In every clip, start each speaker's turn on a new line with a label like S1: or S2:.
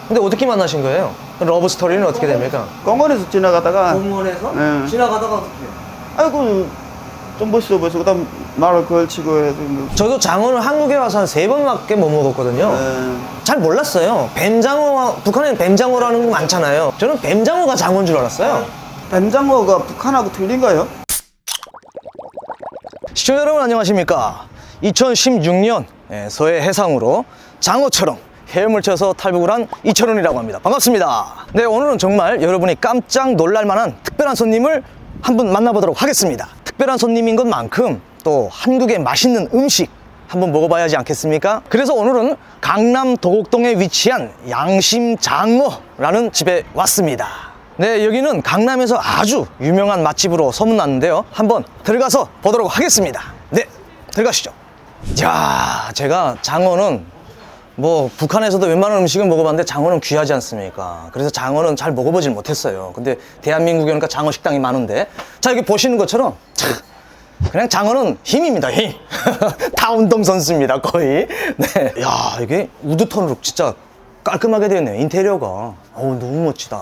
S1: 근데 어떻게 만나신 거예요? 러브 스토리는 어떻게 됩니까?
S2: 공원에서 지나가다가
S1: 공원에서?
S2: 네.
S1: 지나가다가 어떻게?
S2: 아이고 좀 멋있어 보여서 그다음 말을 걸치고 해서
S1: 저도 장어를 한국에 와서 한 3번밖에 못 먹었거든요.
S2: 네.
S1: 잘 몰랐어요. 뱀장어, 북한에는 뱀장어라는 거 많잖아요. 저는 뱀장어가 장어인 줄 알았어요.
S2: 뱀장어가 북한하고 틀린가요?
S1: 시청자 여러분 안녕하십니까? 2016년 서해 해상으로 장어처럼 헤엄을 쳐서 탈북을 한 이철훈이라고 합니다. 반갑습니다. 네, 오늘은 정말 여러분이 깜짝 놀랄 만한 특별한 손님을 한 분 만나보도록 하겠습니다. 특별한 손님인 것만큼 또 한국의 맛있는 음식 한번 먹어봐야지 않겠습니까? 그래서 오늘은 강남 도곡동에 위치한 양심장어라는 집에 왔습니다. 네, 여기는 강남에서 아주 유명한 맛집으로 소문났는데요. 한번 들어가서 보도록 하겠습니다. 네, 들어가시죠. 자, 제가 장어는 뭐 북한에서도 웬만한 음식은 먹어봤는데 장어는 귀하지 않습니까? 그래서 장어는 잘 먹어보질 못했어요. 근데 대한민국에 오니까 장어 식당이 많은데, 자, 여기 보시는 것처럼 그냥 장어는 힘입니다. 힘. 다 운동선수입니다, 거의. 네. 야, 이게 우드톤으로 진짜 깔끔하게 되어 있네요, 인테리어가. 어우, 너무 멋지다.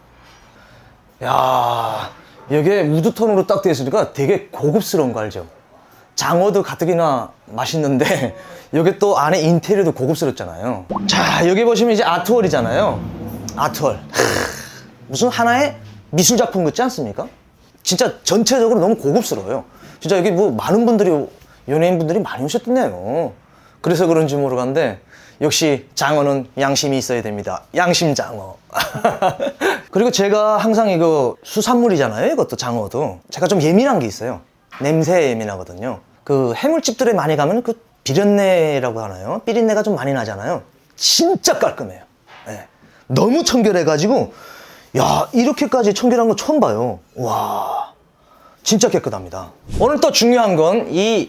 S1: 야, 이게 우드톤으로 딱 되어 있으니까 되게 고급스러운 거 알죠? 장어도 가뜩이나 맛있는데 여기 또 안에 인테리어도 고급스럽잖아요. 자, 여기 보시면 이제 아트월이잖아요. 아트월. 무슨 하나의 미술 작품 같지 않습니까? 진짜 전체적으로 너무 고급스러워요. 진짜 여기 뭐 많은 분들이, 연예인분들이 많이 오셨던데요. 그래서 그런지 모르겠는데 역시 장어는 양심이 있어야 됩니다. 양심장어. 그리고 제가 항상 이거 수산물이잖아요. 이것도 장어도. 제가 좀 예민한 게 있어요. 냄새에 예민하거든요. 그 해물집들에 많이 가면 그 비린내라고 하나요? 비린내가 좀 많이 나잖아요. 진짜 깔끔해요. 네. 너무 청결해가지고, 야, 이렇게까지 청결한 거 처음 봐요. 와, 진짜 깨끗합니다. 오늘 또 중요한 건 이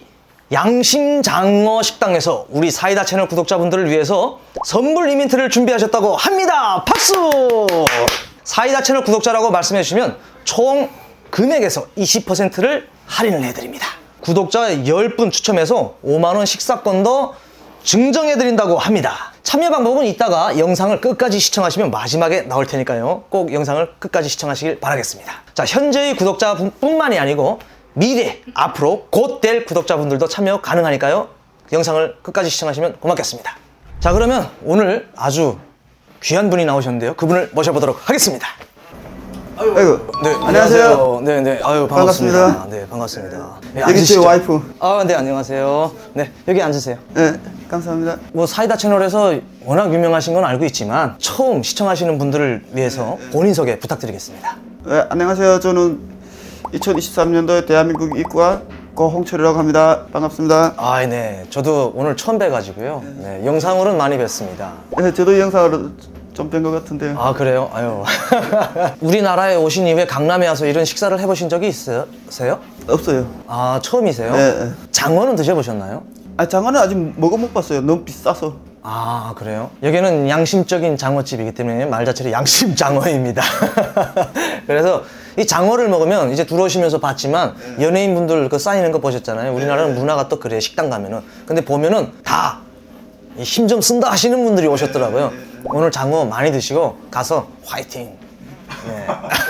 S1: 양심장어 식당에서 우리 사이다 채널 구독자분들을 위해서 선물 이벤트를 준비하셨다고 합니다. 박수! 사이다 채널 구독자라고 말씀해 주시면 총 금액에서 20%를 할인을 해드립니다. 구독자 10분 추첨해서 5만원 식사권도 증정해드린다고 합니다. 참여 방법은 이따가 영상을 끝까지 시청하시면 마지막에 나올 테니까요. 꼭 영상을 끝까지 시청하시길 바라겠습니다. 자, 현재의 구독자뿐만이 아니고 미래, 앞으로 곧 될 구독자분들도 참여 가능하니까요. 영상을 끝까지 시청하시면 고맙겠습니다. 자, 그러면 오늘 아주 귀한 분이 나오셨는데요. 그분을 모셔보도록 하겠습니다.
S2: 아이고.
S1: 네,
S2: 안녕하세요.
S1: 네, 네. 아유, 반갑습니다.
S2: 반갑습니다.
S1: 네, 반갑습니다. 네,
S2: 여기 제
S1: 앉으시죠.
S2: 와이프.
S1: 아, 네, 안녕하세요. 네, 여기 앉으세요.
S2: 네, 감사합니다.
S1: 뭐 사이다 채널에서 워낙 유명하신 건 알고 있지만 처음 시청하시는 분들을 위해서 본인 소개 부탁드리겠습니다.
S2: 네, 안녕하세요. 저는 2023년도에 대한민국 입국한 고홍철이라고 합니다. 반갑습니다.
S1: 아, 네. 저도 오늘 처음 뵈가지고요. 네, 영상으로는 많이 뵀습니다.
S2: 네, 저도 영상으로 좀 뵌 것 같은데요.
S1: 아, 그래요? 아유. 우리나라에 오신 이후에 강남에 와서 이런 식사를 해보신 적이 있으세요?
S2: 없어요.
S1: 아, 처음이세요?
S2: 네.
S1: 장어는 드셔보셨나요?
S2: 아, 장어는 아직 먹어 못 봤어요. 너무 비싸서.
S1: 아, 그래요? 여기는 양심적인 장어집이기 때문에 말 자체로 양심장어입니다. 그래서 이 장어를 먹으면 이제 들어오시면서 봤지만 연예인분들 그 쌓이는 거 보셨잖아요. 우리나라는 문화가 또 그래요. 식당 가면은. 근데 보면은 다 힘 좀 쓴다 하시는 분들이 오셨더라고요. 오늘 장어 많이 드시고 가서 화이팅. 네.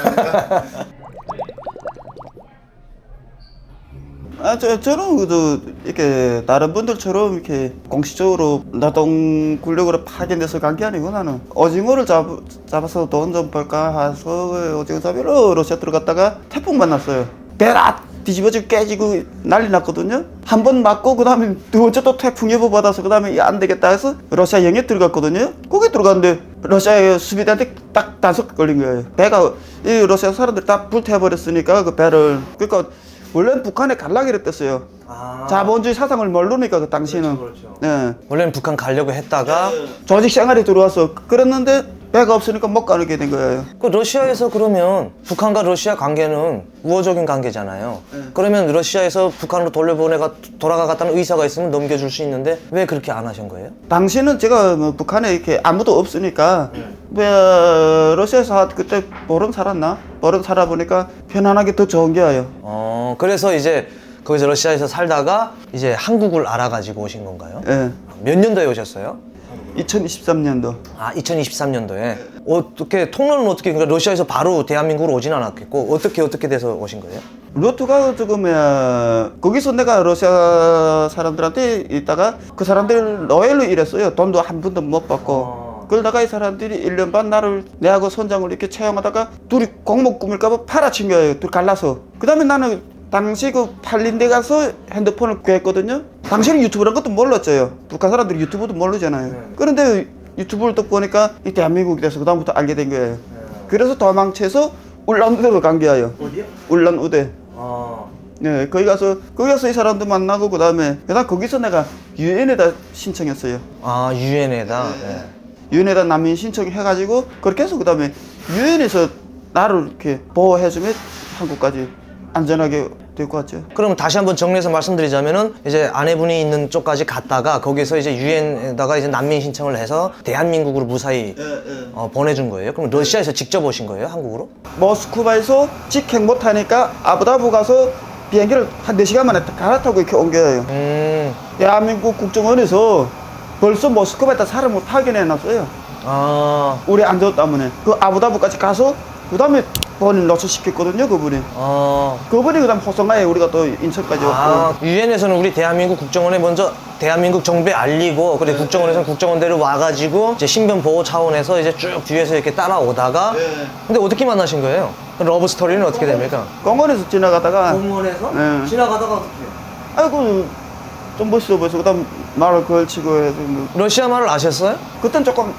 S2: 아, 저는 그래도 이렇게 다른 분들처럼 이렇게 공식적으로 노동 군력으로 파견돼서 간 게 아니고 나는 오징어를 잡아서 돈 좀 벌까 해서 오징어 잡으러 러시아 들어갔다가 태풍 만났어요. 배라 뒤집어지고 깨지고 난리 났거든요. 한 번 맞고 그 다음에 두 번째 또 태풍 예보 받아서 그 다음에 안 되겠다 해서 러시아 영해 들어갔거든요. 거기 들어갔는데 러시아의 수비대한테 딱 단속 걸린 거예요. 배가 이 러시아 사람들 다 불태워버렸으니까 그 배를. 그러니까 원래는 북한에 갈라 그랬댔어요.
S1: 아.
S2: 자본주의 사상을 모르니까 그 당시는.
S1: 그렇죠.
S2: 네.
S1: 원래는 북한 가려고 했다가
S2: 조직 생활에 들어와서 그랬는데 배가 없으니까 못 가게 된 거예요.
S1: 그 러시아에서 그러면 북한과 러시아 관계는 우호적인 관계잖아요. 그러면 러시아에서 북한으로 돌아가겠다는 의사가 있으면 넘겨줄 수 있는데 왜 그렇게 안 하신 거예요?
S2: 당시는 제가 뭐 북한에 이렇게 아무도 없으니까 왜 러시아에서 그때 보름 살았나? 보름 살아보니까 편안하게 더 좋은 게예요.
S1: 그래서 이제 거기서 러시아에서 살다가 이제 한국을 알아가지고 오신 건가요?
S2: 예.
S1: 몇 년도에 오셨어요?
S2: 2023년도.
S1: 아, 2023년도에. 어떻게, 통로는 어떻게, 그러니까 러시아에서 바로 대한민국으로 오진 않았겠고, 어떻게 돼서 오신 거예요?
S2: 루트가 지금 거기서 내가 러시아 사람들한테 있다가 그 사람들 노예로 일했어요. 돈도 한 푼도 못 받고. 그러다가 이 사람들이 1년 반 나를 내하고 선장을 이렇게 채용하다가 둘이 공목 꾸밀까봐 팔아친 거예요. 둘 갈라서. 그 다음에 나는 당시 그 팔린 데 가서 핸드폰을 구했거든요. 당시에는 유튜브란 것도 몰랐어요. 북한 사람들이 유튜브도 모르잖아요. 그런데 유튜브를 또 보니까 이 대한민국이 돼서 그 다음부터 알게 된 거예요. 그래서 도망쳐서 울란우대로 간 거예요.
S1: 어디요?
S2: 울란우대.
S1: 아.
S2: 네, 거기 가서 이 사람도 만나고 그다음 거기서 내가 유엔에다 신청했어요.
S1: 아, 유엔에다. 네.
S2: 유엔에다 난민 신청해가지고 그렇게 해서 그다음에 유엔에서 나를 이렇게 보호해주면 한국까지 안전하게 데리고 왔죠.
S1: 그럼 다시 한번 정리해서 말씀드리자면은 이제 아내분이 있는 쪽까지 갔다가 거기서 이제 유엔에다가 이제 난민 신청을 해서 대한민국으로 무사히 보내준 거예요. 그럼 러시아에서 직접 오신 거예요, 한국으로?
S2: 모스크바에서 직행 못하니까 아부다비 가서 비행기를 한 4시간 만에 갈아타고 이렇게 온 거예요. 대한민국 국정원에서 벌써 모스크바에다 사람을 파견해놨어요.
S1: 아,
S2: 우리 안전 때문에. 그 아부다비까지 가서 그 다음에 본인 노출시켰거든요, 그분이. 그분이 그 다음 호성가에 우리가 또 인천까지 왔고.
S1: 유엔에서는 우리 대한민국 국정원에 먼저 대한민국 정부에 알리고, 그래 국정원에서는 국정원대로 와가지고 이제 신변 보호 차원에서 이제 쭉 뒤에서 이렇게 따라오다가. 근데 어떻게 만나신 거예요? 러브 스토리는 어떻게 됩니까?
S2: 공원에서 지나가다가.
S1: 공원에서
S2: 네.
S1: 지나가다가 어떻게?
S2: 아이고, 좀 멋있어 보여서 그 다음 말을 걸치고 해서.
S1: 러시아 말을 아셨어요?
S2: 그땐 조금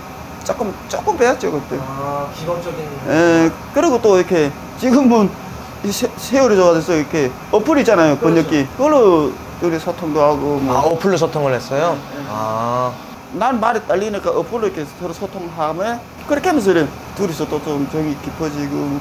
S2: 배웠죠, 그때.
S1: 아, 기본적인.
S2: 예, 그리고 또 이렇게 지금은 이 세월이 좋아져서 이렇게 어플 있잖아요, 번역기. 그걸로 우리 소통도 하고 뭐.
S1: 아, 어플로 소통을 했어요? 아.
S2: 난 말이 딸리니까 어플로 이렇게 서로 소통하면 그렇게 하면서 이래 둘이서 또 좀 정이 깊어지고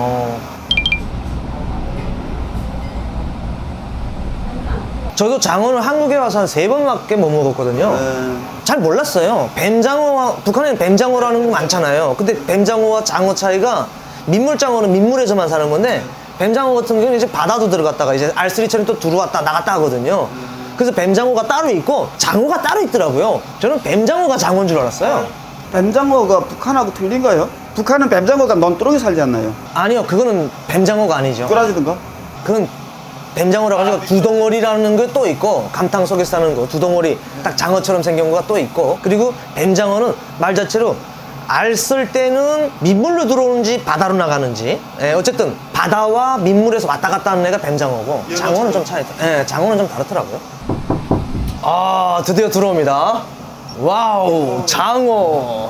S1: 저도 장어를 한국에 와서 한 3번밖에 못 먹었거든요. 잘 몰랐어요. 뱀장어와, 북한에는 뱀장어라는 게 많잖아요. 근데 뱀장어와 장어 차이가, 민물장어는 민물에서만 사는 건데 뱀장어 같은 경우는 이제 바다도 들어갔다가 이제 알쓰리처럼 또 들어왔다 나갔다 하거든요. 그래서 뱀장어가 따로 있고 장어가 따로 있더라고요. 저는 뱀장어가 장어인 줄 알았어요.
S2: 뱀장어가 북한하고 틀린가요? 북한은 뱀장어가 논두렁에 살지 않나요?
S1: 아니요, 그거는 뱀장어가 아니죠.
S2: 꼬라지던가?
S1: 그건 뱀장어라고 가지고 두덩어리라는 게 또 있고, 감탕 속에 사는 거 두덩어리 딱 장어처럼 생긴 거가 또 있고, 그리고 뱀장어는 말 자체로 알 쓸 때는 민물로 들어오는지 바다로 나가는지, 어쨌든 바다와 민물에서 왔다 갔다 하는 애가 뱀장어고, 장어는 좀 장어는 좀 다르더라고요. 아, 드디어 들어옵니다. 와우, 장어.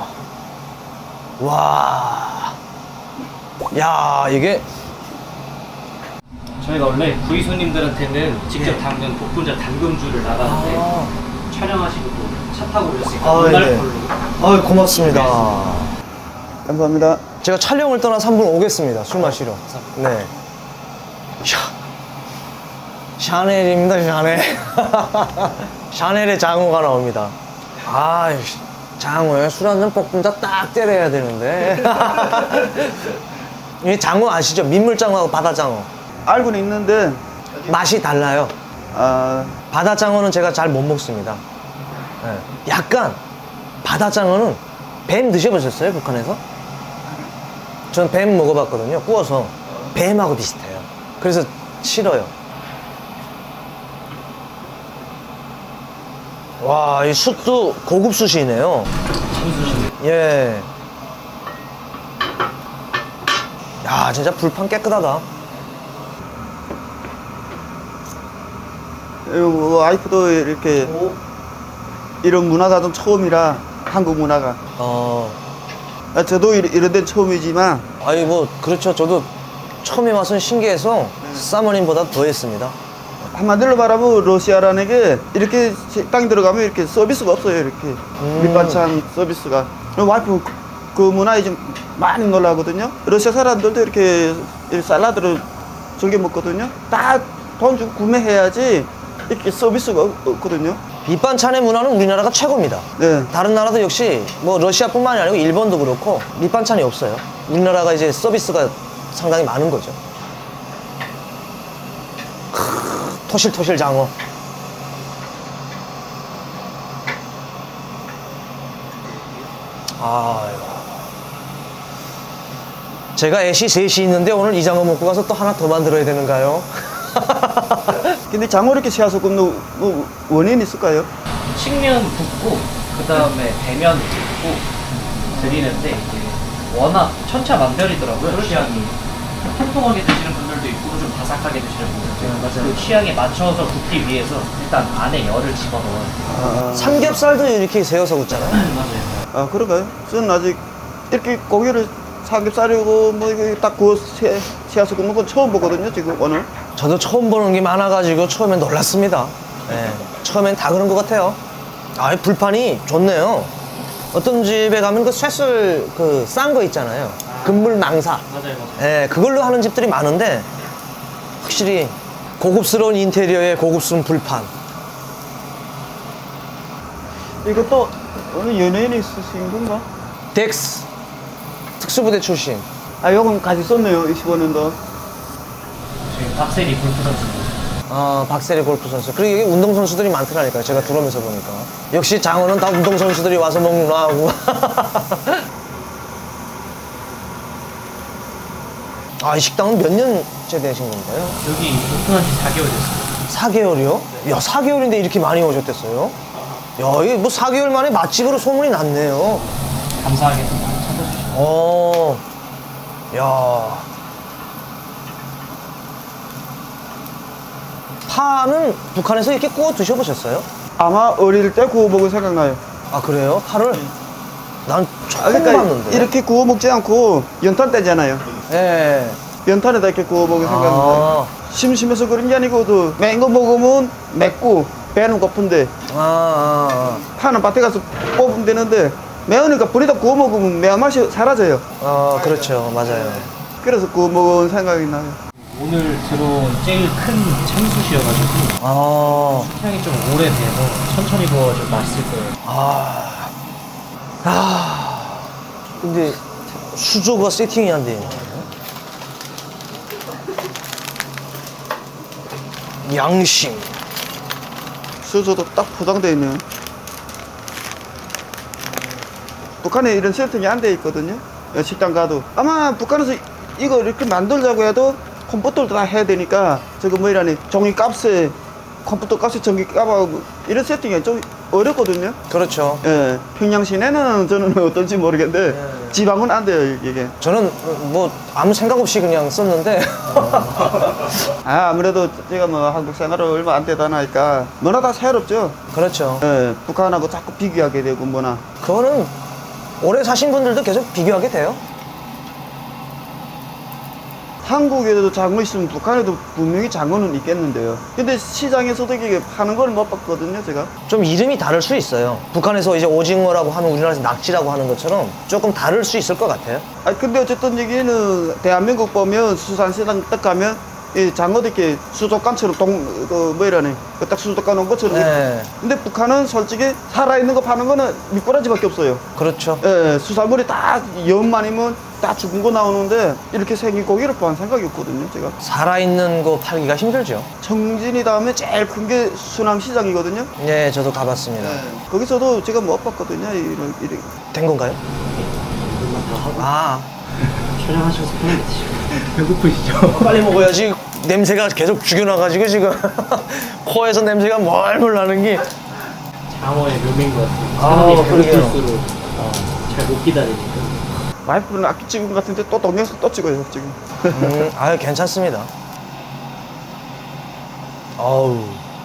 S1: 와, 야, 이게
S3: 저희가 원래 구이 손님들한테는 직접 담근 복분자 담금주를 나가는데 촬영하시고 또 차 타고 오셨으니까 오늘 걸로.
S1: 고맙습니다.
S2: 감사합니다.
S1: 제가 촬영을 떠나 3분 오겠습니다. 술 마시러. 네. 샤넬입니다, 샤넬. 샤넬의 장어가 나옵니다. 아, 장어에 술 한잔 복분자 딱 때려야 되는데. 이 장어 아시죠? 민물장어하고 바다장어.
S2: 알고는 있는데
S1: 맛이 달라요. 바다장어는 제가 잘 못 먹습니다. 네. 약간 바다장어는 뱀 드셔보셨어요, 북한에서? 전 뱀 먹어봤거든요, 구워서. 뱀하고 비슷해요. 그래서 싫어요. 와, 이 숯도 고급 숯이네요. 예. 야, 진짜 불판 깨끗하다.
S2: 와이프도 이렇게 이런 문화가 좀 처음이라, 한국 문화가. 저도 이런 데는 처음이지만.
S1: 아니, 뭐, 그렇죠. 저도 처음에 와서는 신기해서 사모님보다 더 했습니다.
S2: 한마디로 말하면 러시아라는 게 이렇게 식당에 들어가면 이렇게 서비스가 없어요, 이렇게. 밑반찬 서비스가. 와이프 그 문화에 좀 많이 놀라거든요. 러시아 사람들도 이렇게 샐러드를 즐겨 먹거든요. 다 돈 주고 구매해야지 이렇게 서비스가 없거든요.
S1: 밑반찬의 문화는 우리나라가 최고입니다.
S2: 네.
S1: 다른 나라도 역시 뭐 러시아뿐만이 아니고 일본도 그렇고 밑반찬이 없어요. 우리나라가 이제 서비스가 상당히 많은 거죠. 토실토실 장어. 아유. 제가 애시 셋이 있는데 오늘 이 장어 먹고 가서 또 하나 더 만들어야 되는가요?
S2: 근데 장어 이렇게 씨앗을 굽는 뭐 원인이 있을까요?
S3: 측면 붓고 그 다음에 대면 붓고 드리는데 이제 워낙 천차만별이더라고요. 취향이 통통하게 드시는 분들도 있고 좀 바삭하게 드시는 분들도 있고
S1: 맞아요.
S3: 그 취향에 맞춰서 굽기 위해서 일단 안에 열을 집어넣어요.
S2: 아,
S1: 삼겹살도 이렇게 세워서 굽잖아요.
S3: 맞아요.
S2: 아 그런가요? 저는 아직 이렇게 고기를 삼겹살이고 뭐 이거 딱 구워 씨앗을 굽는 건 처음 보거든요 지금 오늘.
S1: 저도 처음 보는 게 많아가지고 처음엔 놀랐습니다. 예, 처음엔 다 그런 것 같아요. 아, 이 불판이 좋네요. 어떤 집에 가면 그 쇠술 그 싼 거 있잖아요. 금물 망사.
S3: 맞아요.
S1: 예, 그걸로 하는 집들이 많은데 확실히 고급스러운 인테리어에 고급스러운 불판.
S2: 이것도 어느 연예인이 쓰신 건가?
S1: 덱스 특수부대 출신.
S2: 아 요건 같이 썼네요 25년도.
S3: 저희 박세리 골프 선수.
S1: 박세리 골프 선수. 그리고 여기 운동선수들이 많더라니까요. 제가 들어오면서 보니까. 역시 장어는 다 운동선수들이 와서 먹는구나 하고. 아, 이 식당은 몇 년째 되신 건가요?
S3: 여기 오픈한 지 4개월 됐어요.
S1: 4개월이요? 야, 4개월인데 이렇게 많이 오셨댔어요? 야, 이게 뭐 4개월 만에 맛집으로 소문이 났네요.
S3: 감사하게 좀 많이 찾아주시고.
S1: 야. 파는 북한에서 이렇게 구워 드셔보셨어요?
S2: 아마 어릴 때 구워 먹은 생각나요.
S1: 아, 그래요? 파를? 난 처음
S2: 그러니까
S1: 봤는데.
S2: 이렇게 구워 먹지 않고 연탄 때잖아요.
S1: 예.
S2: 연탄에다 이렇게 구워 먹은 생각나요.
S1: 아,
S2: 심심해서 그런 게 아니고 맹 거 먹으면 맵고 배는 고픈데 파는 밭에 가서 뽑으면 되는데 매우니까 불에다 구워 먹으면 매운맛이 사라져요.
S1: 그렇죠. 맞아요.
S2: 그래서 구워 먹은 생각이 나요.
S3: 오늘 들어온 제일 큰 참숯이어가지고 향이 좀 오래돼서 천천히 구워서 맛있을 거예요.
S1: 근데 수조가 세팅이 안 돼 있네. 양심.
S2: 수저도 딱 포장되어 있네요. 북한에 이런 세팅이 안 돼 있거든요. 식당 가도 아마 북한에서 이거 이렇게 만들자고 해도 컴퓨터를 다 해야 되니까 저거 뭐이라니 종이 값에 컴퓨터 값에 전기 값하고 이런 세팅이 좀 어렵거든요.
S1: 그렇죠.
S2: 예, 평양 시내는 저는 어떨지 모르겠는데 지방은 안 돼요 이게.
S1: 저는 뭐 아무 생각 없이 그냥 썼는데
S2: 아무래도 제가 뭐 한국 생활을 얼마 안 되다 나니까 뭐나 다 새롭죠.
S1: 그렇죠.
S2: 예, 북한하고 자꾸 비교하게 되고 뭐나.
S1: 그거는 오래 사신 분들도 계속 비교하게 돼요.
S2: 한국에도 장어 있으면 북한에도 분명히 장어는 있겠는데요. 근데 시장에서도 이게 파는 걸 못 봤거든요, 제가.
S1: 좀 이름이 다를 수 있어요. 북한에서 이제 오징어라고 하면 우리나라에서 낙지라고 하는 것처럼 조금 다를 수 있을 것 같아요.
S2: 근데 어쨌든 여기는 대한민국 보면 수산시장 딱 가면 이 장어도 이렇게 수족관처럼 뭐이라니 딱 수족관 온 것처럼.
S1: 네.
S2: 근데 북한은 솔직히 살아있는 거 파는 거는 미꾸라지밖에 없어요.
S1: 그렇죠.
S2: 예, 수산물이 다 염만이면 다 죽은 거 나오는데 이렇게 생긴 고기를 판 생각이 없거든요, 제가.
S1: 살아있는 거 팔기가 힘들죠.
S2: 청진이 다음에 제일 큰 게 수남시장이거든요.
S1: 네, 저도 가봤습니다.
S2: 거기서도 제가 못 봤거든요. 이런.
S1: 된 건가요? 아,
S3: 촬영하셔서 편하게 드시고. 배고프시죠?
S1: 빨리 먹어야지. 냄새가 계속 죽여놔가지고 지금 코에서 냄새가 멀멀 나는 게.
S3: 장어의 묘미인 것 같아요.
S1: 아,
S3: 사람이
S1: 그러게요.
S3: 배고플수록 잘 못 기다리니까.
S2: 와이프는 아끼 찍은 것 같은데 또 동영상 또 찍어요, 지금.
S1: 아유, 괜찮습니다. 아우,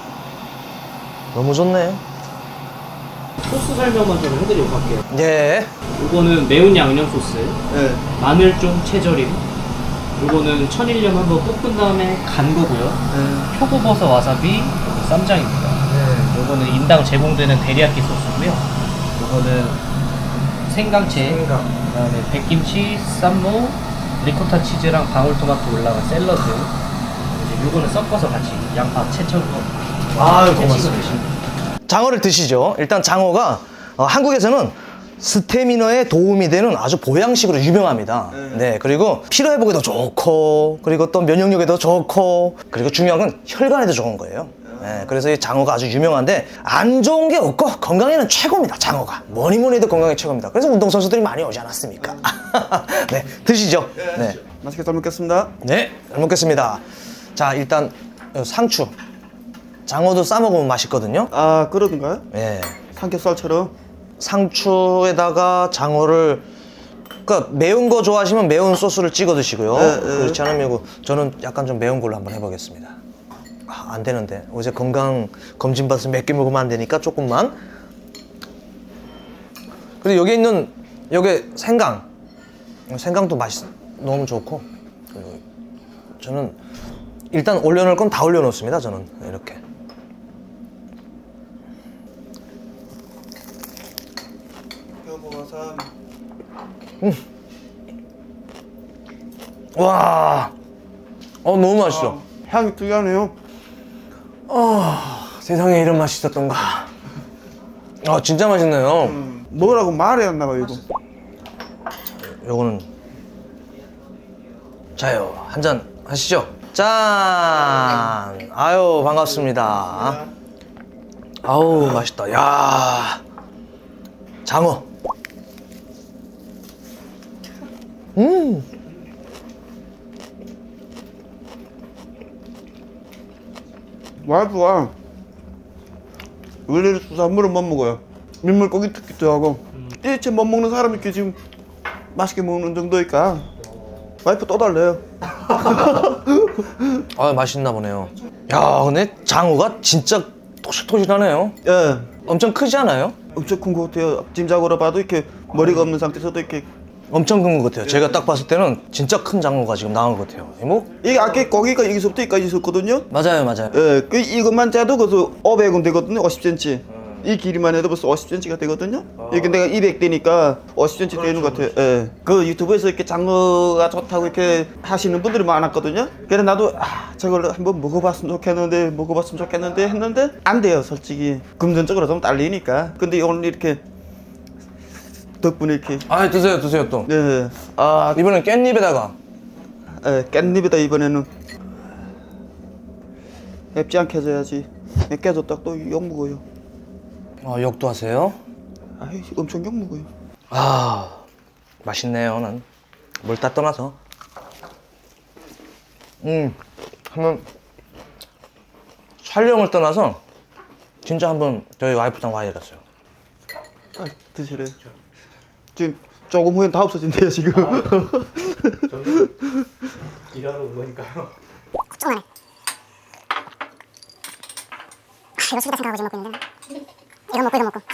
S1: 너무 좋네.
S3: 소스 설명만 좀 해드리고 갈게요.
S1: 예.
S3: 이거는 매운 양념 소스,
S2: 네.
S3: 마늘종 채절임. 이거는 천일염 한번 볶은 다음에 간 거고요. 표고버섯 와사비, 쌈장입니다. 요거는 인당 제공되는 데리야끼 소스고요. 요거는 생강채, 그다음에 백김치, 쌈무, 리코타 치즈랑 방울토마토 올라간 샐러드. 이제 요거는 섞어서 같이 양파 채쳐서
S1: 아유,
S3: 같이
S1: 고맙습니다.
S3: 드시면
S1: 장어를 드시죠. 일단 장어가 한국에서는 스태미너에 도움이 되는 아주 보양식으로 유명합니다. 네, 그리고 피로회복에도 좋고, 그리고 또 면역력에도 좋고, 그리고 중요한 건 혈관에도 좋은 거예요. 네, 그래서 이 장어가 아주 유명한데 안 좋은 게 없고 건강에는 최고입니다. 장어가 뭐니 뭐니 해도 건강에 최고입니다. 그래서 운동선수들이 많이 오지 않았습니까? 네, 드시죠. 네,
S2: 맛있게 잘 먹겠습니다.
S1: 네, 잘 먹겠습니다. 자, 일단 상추, 장어도 싸 먹으면 맛있거든요.
S2: 아, 그러던가요?
S1: 예,
S2: 삼겹살처럼.
S1: 상추에다가 장어를, 그러니까 매운 거 좋아하시면 매운 소스를 찍어 드시고요. 그렇지 않으면 이거 저는 약간 좀 매운 걸로 한번 해보겠습니다. 안 되는데 어제 건강 검진 받아서 몇 개 먹으면 안 되니까 조금만. 그리고 여기 있는 여기 생강도 너무 좋고, 그리고 저는 일단 올려놓을 건 다 올려놓습니다. 저는 이렇게. 와, 너무 맛있어.
S2: 향이 특이하네요.
S1: 세상에 이런 맛이 있었던가. 진짜 맛있네요.
S2: 먹으라고 말해야 했나봐 이거.
S1: 요거는 자요, 한잔 하시죠. 짠. 아유, 반갑습니다. 아우, 맛있다. 야, 장어.
S2: 와이프가 원래 수산물을 못 먹어요. 민물 고기 특기도 하고 일체 못 먹는 사람이 이렇게 지금 맛있게 먹는 정도니까 와이프 또 달래요.
S1: 맛있나 보네요. 야, 근데 장어가 진짜 토실토실하네요.
S2: 예,
S1: 엄청 크지 않아요?
S2: 엄청 큰 것 같아요. 짐작으로 봐도 이렇게 머리가 없는 상태에서도 이렇게.
S1: 엄청 큰 것 같아요. 제가 딱 봤을 때는 진짜 큰 장어가 지금 나온 것 같아요. 뭐?
S2: 이게 아까 고기가 여기서부터 여기까지 있었거든요.
S1: 맞아요.
S2: 예, 이것만 짜도 그래서 500원 되거든요. 50cm. 이 길이만 해도 벌써 50cm가 되거든요. 이게 내가 200대니까 50cm 되는 것 같아요. 예. 그 유튜브에서 이렇게 장어가 좋다고 이렇게 하시는 분들이 많았거든요. 그래서 나도 저걸 한번 먹어봤으면 좋겠는데 했는데 안 돼요, 솔직히. 금전적으로 좀 딸리니까. 근데 오늘 이렇게 덕분에 이렇게.
S1: 드세요 또.
S2: 네.
S1: 이번엔 깻잎에다가.
S2: 깻잎에다 이번에는 맵지 않게 해줘야지. 깨졌다 또 욕 먹어요.
S1: 욕도 하세요?
S2: 엄청 욕 먹어요.
S1: 맛있네요. 난 뭘 다 떠나서. 한번 촬영을 떠나서 진짜 한번 저희 와이프랑 와야겠어요.
S2: 드시래. 지금 조금 후엔 다 없어진대요 지금.
S3: 일하러 온 거니까요.
S4: 조금만 이거 술다 생각하고 지금 먹고 있는데 이거 먹고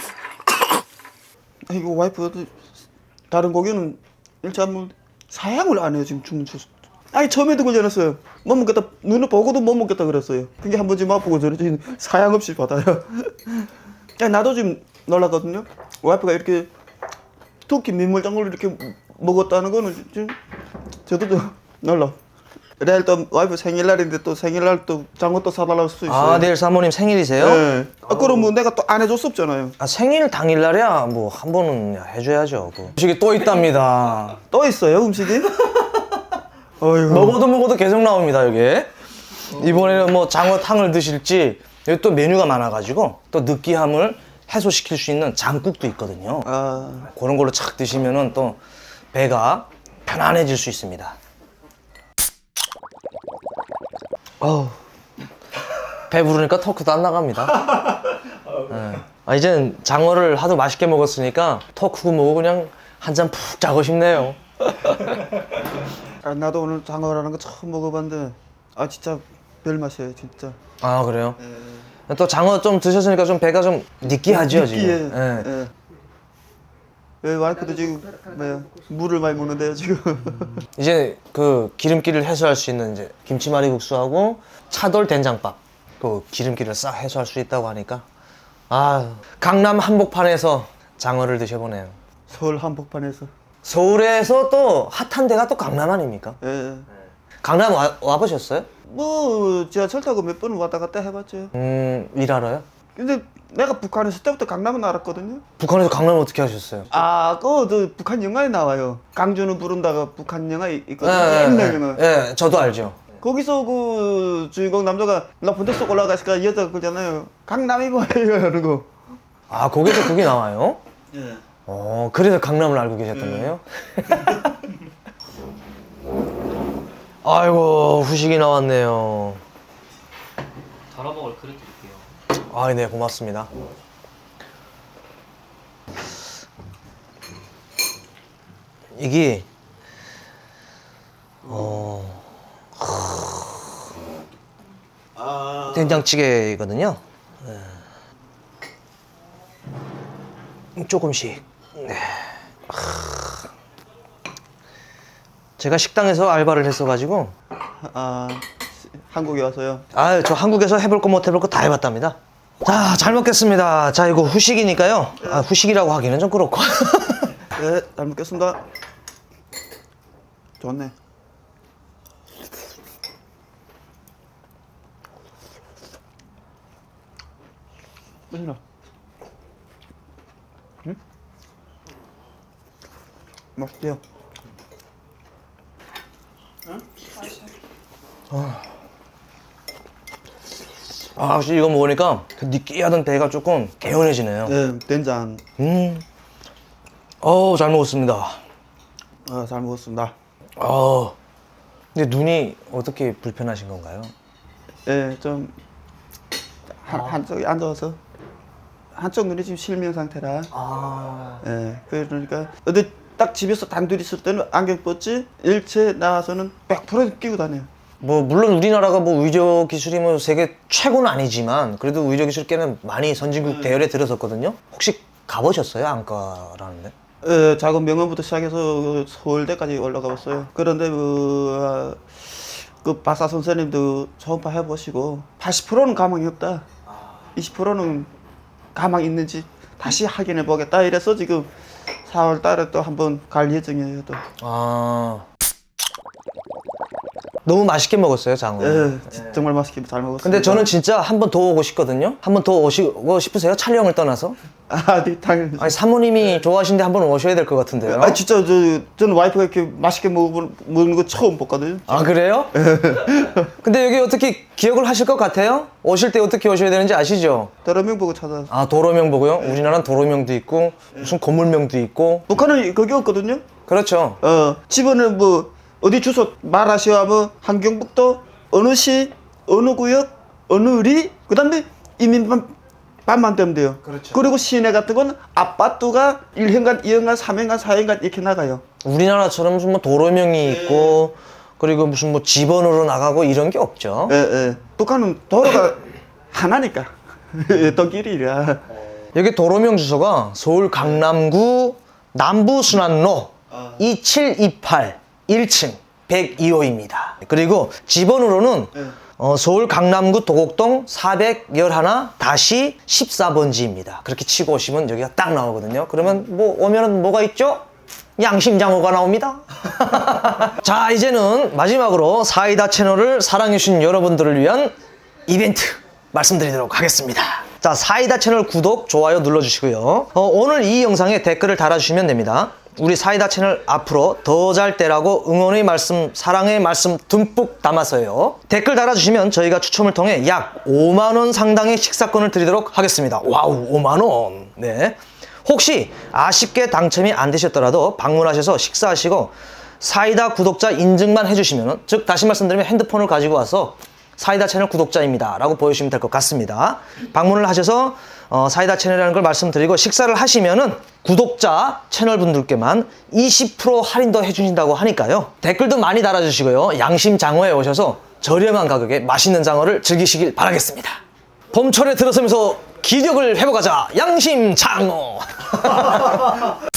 S2: 이거 와이프가 다른 고기는 일체 한번 사양을 안 해요 지금 주문 줬어. 처음에도 걸려놨어요. 못 먹겠다. 눈을 보고도 못 먹겠다 그랬어요. 그게 한 번쯤 맛보고 저는 지금 사양 없이 받아요. 나도 지금 놀랐거든요. 와이프가 이렇게 특히 민물장어를 이렇게 먹었다는 거는 지금 저도 좀 놀라. 내일 또 와이프 생일날인데 또 생일날 또 장어 또 사달라고 수도 있어요.
S1: 내일 사모님 생일이세요?
S2: 네. 그럼 뭐 내가 또 안 해줄 수 없잖아요.
S1: 생일 당일날이야 뭐 한 번은 해줘야죠. 음식이 또 있답니다.
S2: 또 있어요 음식이? 어이구.
S1: 먹어도 계속 나옵니다 여기. 이번에는 뭐 장어탕을 드실지, 여기 또 메뉴가 많아가지고 또 느끼함을 해소시킬 수 있는 장국도 있거든요. 그런 걸로 착 드시면은 또 배가 편안해질 수 있습니다. 배부르니까 토크도 안 나갑니다. 네. 이제는 장어를 하도 맛있게 먹었으니까 토크고 뭐고 그냥 한 잔 푹 자고 싶네요.
S2: 나도 오늘 장어라는 거 처음 먹어봤는데 진짜 별 맛이에요 진짜.
S1: 그래요? 또 장어 좀 드셨으니까 좀 배가 좀 느끼하죠
S2: 느끼해.
S1: 지금.
S2: 와이프도 지금 물을 많이 먹는데요 지금.
S1: 이제 그 기름기를 해소할 수 있는 이제 김치말이국수하고 차돌 된장밥, 그 기름기를 싹 해소할 수 있다고 하니까 강남 한복판에서 장어를 드셔보네요.
S2: 서울 한복판에서.
S1: 서울에서 또 핫한 데가 또 강남 아닙니까?
S2: 예.
S1: 강남 와보셨어요?
S2: 뭐 지하철 타고 몇 번 왔다 갔다 해봤죠.
S1: 일하러요?
S2: 근데 내가 북한에 있을 때부터 강남은 알았거든요.
S1: 북한에서 강남을 어떻게 하셨어요?
S2: 그거 북한 영화에 나와요. 강준을 부른다가 북한 영화 있거든요.
S1: 예,
S2: 옛날 영화.
S1: 예, 저도 알죠.
S2: 거기서 그 주인공 남자가 높은 데 쏙 올라가니까 여자가 그러잖아요. 강남이 뭐예요? 이러는 거.
S1: 아, 거기서 그게 나와요?
S2: 예.
S1: 그래서 강남을 알고 계셨던 거예요? 아이고, 후식이 나왔네요.
S3: 덜어 먹을 그릇 드릴게요.
S1: 아, 네, 고맙습니다. 이게 된장찌개거든요. 네. 조금씩. 네. 제가 식당에서 알바를 했어가지고
S2: 한국에 와서요.
S1: 저 한국에서 해볼 거 못 해볼 거 다 해봤답니다. 자, 잘 먹겠습니다. 자, 이거 후식이니까요. 후식이라고 하기는 좀 그렇고.
S2: 네, 잘 먹겠습니다. 좋네. 맛있나? 응? 맛있대요.
S1: 확실히 이거 먹으니까 그 느끼하던 배가 조금 개운해지네요.
S2: 네, 된장.
S1: 잘 먹었습니다.
S2: 잘 먹었습니다.
S1: 근데 눈이 어떻게 불편하신 건가요?
S2: 예, 좀 한쪽에 앉아서 한쪽 눈이 지금 실명 상태라. 예, 그러니까 어디 딱 집에서 단둘이 있을 때는 안경 벗지 일체 나와서는 100% 끼고 다녀요.
S1: 물론 우리나라가 의료 기술이 세계 최고는 아니지만 그래도 의료 기술 꽤는 많이 선진국 대열에 들어섰거든요. 혹시 가보셨어요? 안과라는데?
S2: 예, 작은 병원부터 시작해서 서울대까지 올라가 봤어요. 그런데 그 박사 선생님도 초음파 해보시고 80%는 가망이 없다. 20%는 가망 있는지 다시 확인해 보겠다. 이래서 지금 4월 달에 또 한번 갈 예정이에요. 또.
S1: 너무 맛있게 먹었어요, 장어.
S2: 예, 정말 맛있게 잘 먹었어요.
S1: 근데 저는 진짜 한 번 더 오고 싶거든요. 한 번 더 오시고 싶으세요? 촬영을 떠나서?
S2: 네, 당연히.
S1: 아니, 사모님이 좋아하시는데 한 번 오셔야 될 것 같은데요.
S2: 진짜 저는 와이프가 이렇게 맛있게 먹는 거 처음 봤거든요.
S1: 그래요? 근데 여기 어떻게 기억을 하실 것 같아요? 오실 때 어떻게 오셔야 되는지 아시죠?
S2: 도로명 보고 찾아서.
S1: 도로명 보고요? 우리나라는 도로명도 있고 무슨 건물명도 있고.
S2: 북한은 그게 없거든요.
S1: 그렇죠.
S2: 집은 어디 주소 말하시오 하면 한경북도 어느 시 어느 구역 어느 리 그다음에 이민반만 되면 돼요.
S1: 그렇죠.
S2: 그리고 시내 같은 건 아파트가 1현관, 2현관, 3현관, 4현관 이렇게 나가요.
S1: 우리나라처럼 무슨 동명이 있고 그리고 무슨 집원으로 나가고 이런 게 없죠.
S2: 예. 북한은 도로가 하나니까 또 길이라.
S1: 여기 도로명 주소가 서울 강남구 남부순환로 2728 1층 102호입니다. 그리고 집원으로는 서울 강남구 도곡동 411-14번지입니다. 그렇게 치고 오시면 여기가 딱 나오거든요. 그러면 오면은 뭐가 있죠? 양심장어가 나옵니다. 자, 이제는 마지막으로 사이다 채널을 사랑해주신 여러분들을 위한 이벤트 말씀드리도록 하겠습니다. 자, 사이다 채널 구독, 좋아요 눌러주시고요. 오늘 이 영상에 댓글을 달아주시면 됩니다. 우리 사이다 채널 앞으로 더 잘 되라고 응원의 말씀, 사랑의 말씀 듬뿍 담아서요. 댓글 달아주시면 저희가 추첨을 통해 약 5만원 상당의 식사권을 드리도록 하겠습니다. 와우, 5만원. 네. 혹시 아쉽게 당첨이 안 되셨더라도 방문하셔서 식사하시고 사이다 구독자 인증만 해주시면, 즉 다시 말씀드리면 핸드폰을 가지고 와서 사이다 채널 구독자입니다 라고 보여주시면 될 것 같습니다. 방문을 하셔서 사이다 채널이라는 걸 말씀드리고 식사를 하시면은 구독자 채널 분들께만 20% 할인도 해주신다고 하니까요. 댓글도 많이 달아주시고요. 양심장어에 오셔서 저렴한 가격에 맛있는 장어를 즐기시길 바라겠습니다. 봄철에 들어서면서 기력을 회복하자. 양심장어.